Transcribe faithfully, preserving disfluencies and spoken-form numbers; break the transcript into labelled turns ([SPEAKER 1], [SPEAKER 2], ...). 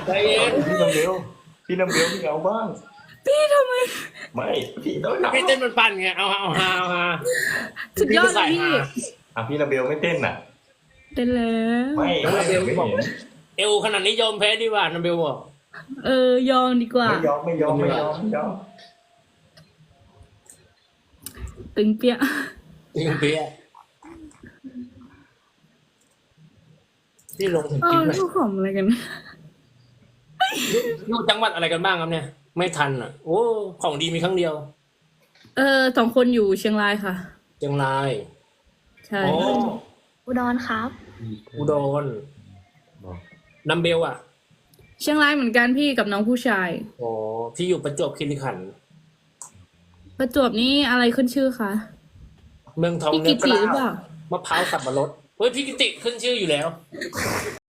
[SPEAKER 1] ใจเย็น
[SPEAKER 2] พี่น้ำเบลพี่น้ำเบลพี่เอาบ้าง
[SPEAKER 3] พี่ทำไม
[SPEAKER 2] ไม่พี่ต้องนับ
[SPEAKER 1] พี่เต้นมันปั่นไงเอาเอาฮาเอาฮา
[SPEAKER 3] สุดยอดเลยพี่
[SPEAKER 2] อ่ะพี่น้ำเบลไม่เต้นอ่ะ
[SPEAKER 3] เต้นแล้ว
[SPEAKER 2] ไม่ไม่ไม่เห็น
[SPEAKER 1] เอวขนาดนี้ยอมแพ้ดีกว่านัมเบลบอก
[SPEAKER 3] เออยอมดีกว่า
[SPEAKER 2] ไม่ยอมไม่ยอมไม่ยอมไม่ยอม
[SPEAKER 3] ตึงเปี้ย
[SPEAKER 1] จริงเปียพี่ลงถึง
[SPEAKER 3] เอ
[SPEAKER 1] คลิ
[SPEAKER 3] อ
[SPEAKER 1] ปเลย
[SPEAKER 3] ลูกของอะไรกัน
[SPEAKER 1] อยู่จังหวัดอะไรกันบ้างครับเนี่ย ไม่ทันอ่ะ โอ้ของดีมีครั้งเดียว
[SPEAKER 3] เออสองคนอยู่เชียงรายค่ะ
[SPEAKER 1] เชียงราย
[SPEAKER 3] ใช่
[SPEAKER 1] โอ้
[SPEAKER 4] อุดรครับ
[SPEAKER 1] อุดรนัมเบลอ่ะ
[SPEAKER 3] เชียงรายเหมือนกันพี่กับน้องผู้ชาย
[SPEAKER 1] โอ้พี่อยู่ประจวบคีรีขันธ์
[SPEAKER 3] ประจวบนี่อะไรขึ้นชื่อคะ
[SPEAKER 1] เมืองทอง
[SPEAKER 3] พี่
[SPEAKER 1] เนื้
[SPEAKER 3] กิ
[SPEAKER 1] อก
[SPEAKER 3] ติ
[SPEAKER 1] ล้า
[SPEAKER 3] หรือเปล่า
[SPEAKER 1] มะพร้าวสับปะรดเฮ้ยพี่กิติขึ้นชื่ออยู่แล้ว